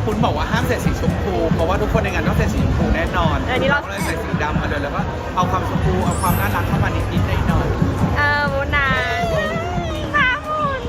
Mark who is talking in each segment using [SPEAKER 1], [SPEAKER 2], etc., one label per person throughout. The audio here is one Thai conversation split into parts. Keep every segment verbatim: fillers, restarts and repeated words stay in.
[SPEAKER 1] คุณบอกว่าห้ามใส่สีชมพูเพราะว่าทุกคนในงานต้องใส่สีชมพูแน่นอน
[SPEAKER 2] อันนี้เรา
[SPEAKER 1] ก็เลยใส่สีดำมาเลยแล้วก็เอาความชมพูเอาความน่ารักเข้ามานิดๆหน่อย
[SPEAKER 2] เออมูนาข้ามุน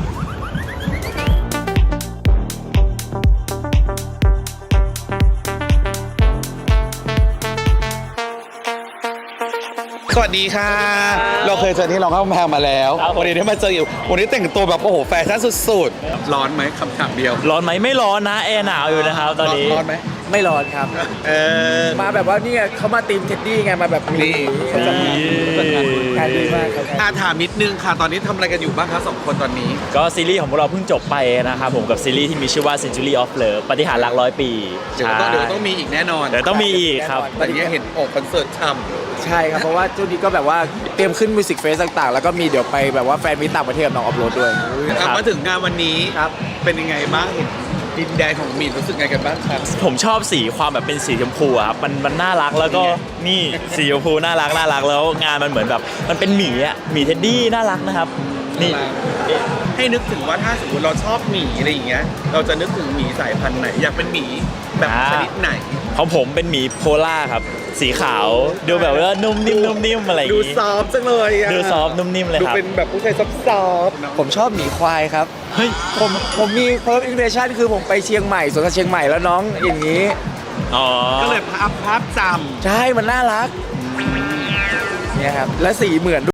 [SPEAKER 1] สวัสดีค่ะ เราเคยเจอที่รองข้าวแพงมาแล้ววันนี้ได้มาเจออยู่วันนี้แต่งตัวแบบโอ้โหแฟชั่นสุดๆร้อนไหมคำถามเดียว
[SPEAKER 3] ร้อนไหมไม่ร้อนนะแอร์หนาวอยู่นะครับตอนนี้
[SPEAKER 1] ร้อนไหม
[SPEAKER 4] ไม่ร้อนครับ
[SPEAKER 1] เออ
[SPEAKER 4] มาแบบว่านี่ไงเขามาตีมเท็ดดี้ไงมาแบบ
[SPEAKER 1] นี่
[SPEAKER 4] เขาจัดงานดีมากครับ
[SPEAKER 1] อาถามนิดนึงค่ะตอนนี้ทำอะไรกันอยู่บ้างคะสองคนตอนนี้
[SPEAKER 3] ก็ซีรีส์ของพวกเราเพิ่งจบไปนะครับผมกับซีรีส์ที่มีชื่อว่า Century of Love ปฏิหารย์รักร้อยปี
[SPEAKER 1] เดี๋ยวต้องเดี๋ยวต้องมีอีกแน่นอน
[SPEAKER 3] เดี๋ยวต้องมีอีกครับ
[SPEAKER 1] แต่เนี้ยเห็นโอ้คอนเสิร์ตท
[SPEAKER 4] ใช่ครับเพราะว่าช่วงนี้ก็แบบว่าเตรียมขึ้นมิวสิกเฟสต่างๆ แล้วก็มีเดี๋ยวไปแบบว่าแฟนมิตต่างประเทศกับน้องอัพโหลดด้วย
[SPEAKER 1] ำ
[SPEAKER 3] ครับ
[SPEAKER 1] มาถึงงานวันนี้
[SPEAKER 4] ครับ
[SPEAKER 1] เป็นยังไงบ้างเห็นดินแดนของมีนรู้สึกไงกันบ้างครับ
[SPEAKER 3] ผมชอบสีความแบบเป็นสีชมพูอะครับมันมันน่ารักแล้วก็นี่สีชมพูน่ารักน่ารักแล้วงานมันเหมือนแบบมันเป็นหมีอะหมีเท็ดดี้น่ารักนะครับนี่
[SPEAKER 1] ให้นึกถึงว่าถ้าสมมติเราชอบหมีอะไรอย่างเงี้ยเราจะนึกถึงหมีสายพันธุ์ไหนอยากเป็นหมีแบบชนิดไหน
[SPEAKER 3] ของผมเป็นหมีโพล่าครับสีขาวดูแบบว่านุ่มนิ่มนุ่มนิ่มอะไรอย่าง
[SPEAKER 1] ดู
[SPEAKER 3] งี้
[SPEAKER 1] ซอฟต์จังเลยอะ
[SPEAKER 3] ดูซอฟต์นุ่มนิ่มเลย
[SPEAKER 1] ดู
[SPEAKER 3] ครับ
[SPEAKER 1] เป็นแบบผู้ชายซอฟต์ซอฟต์
[SPEAKER 4] ผมชอบหมีควายครับ
[SPEAKER 3] เฮ้ย
[SPEAKER 4] ผมผมมีเพิ่มอินเ t ชั่นคือผมไปเชียงใหม่สวนสัตว์เชียงใหม่แล้วน้องอย่างนี้
[SPEAKER 3] อ๋อ
[SPEAKER 1] ก็เลยภาพภาพจ
[SPEAKER 4] ใช่มันน่ารักเนี่ยครับและสีเหมือน